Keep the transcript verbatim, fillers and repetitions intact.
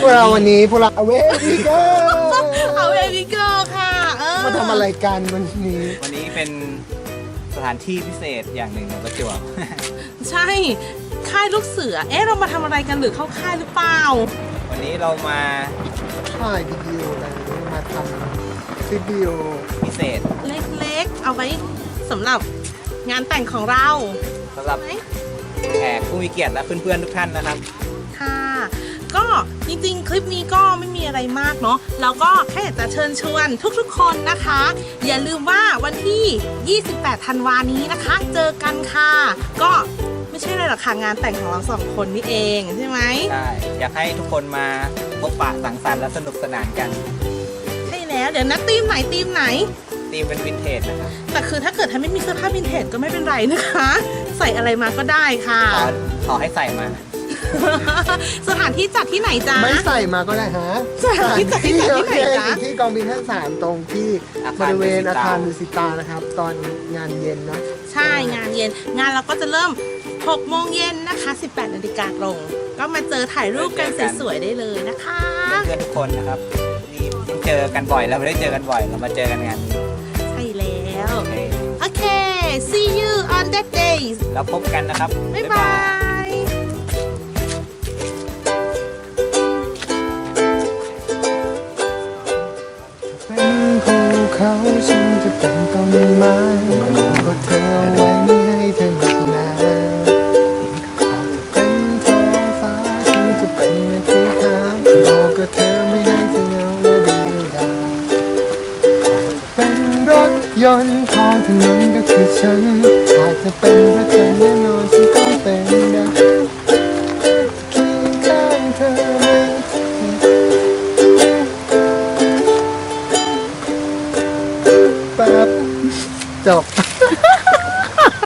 วกเราวันนี้พวกเราเววิเกอร์เอาเววิเกอร์ค่ะเออมาทำอะไรกันวันนี้วันนี้เป็นสถานที่พิเศษอย่างหนึ่งของประจวบใช่ค่ายลูกเสือเอ๊ะเรามาทำอะไรกันหรือเข้าค่ายหรือเปล่าวันนี้เรามาถ่ายวิดีโออะไรมาทำคลิปวิดีโอพิเศษเล็กๆ เอาไว้สำหรับงานแต่งของเราสำหรับแขกผู้มีเกียรติและเพื่อนๆทุกท่านนะครับค่ะ ก็จริงๆ คลิปนี้ก็ไม่มีอะไรมากเนาะเราก็แค่อยากจะเชิญชวนทุกๆ คนนะคะ อย่าลืมว่าวันที่ ยี่สิบแปด ธันวานี้นะคะ เจอกันค่ะ ก็ไม่ใช่อะไรหรอกค่ะงานแต่งของเราสองคนนี่เองใช่ไหมใช่ อยากให้ทุกคนมาพบปะสังสรรค์และสนุกสนานกันใช่แล้วเดี๋ยวนะทีมไหนทีมไหนธีมเป็นวินเทจนะครับแต่คือถ้าเกิดท่านไม่มีเสื้อผ้าวินเทจก็ไม่เป็นไรนะคะ ใส่อะไรมาก็ได้ค่ะขอขอให้ใส่มาสถานที่จัดที่ไหนจ๊ะไม่ใส่มาก็ได้ฮะสถานที่จัดที่ไหนที่ไหนโอเคจ๊ะอยู่ที่กองบินทั้งสามตรงที่อาบคารริเวณดุสิตาอาคารดุสิตานะครับ ตอนงานเย็นนะใช่งานเย็นงานเราก็จะเริ่มหกโมงเย็นนะคะ สิบแปดนาฬิกาตรง ก็มาเจอถ่ายรูปกันสวยๆได้เลยนะคะเพื่อนๆทุกคนนะครับนี่เจอกันบ่อยแล้วไม่ได้เจอกันบ่อย เรามาเจอกันงานนี้ใช่แล้วโอเคโอเค see you on that day แล้วพบกันนะครับบ๊ายบายเป็นภูเขาฉันจะเป็นต้นไม้ก็เธอเอาไว้ไม่ให้เธอหนักหนาเป็นท้องฟ้าฉันจะเป็นที่ขาวบอกกับเธอไม่ให้เธอเหงาและเดียวดายเป็นรถยนต์ท้องถนนก็คือฉัน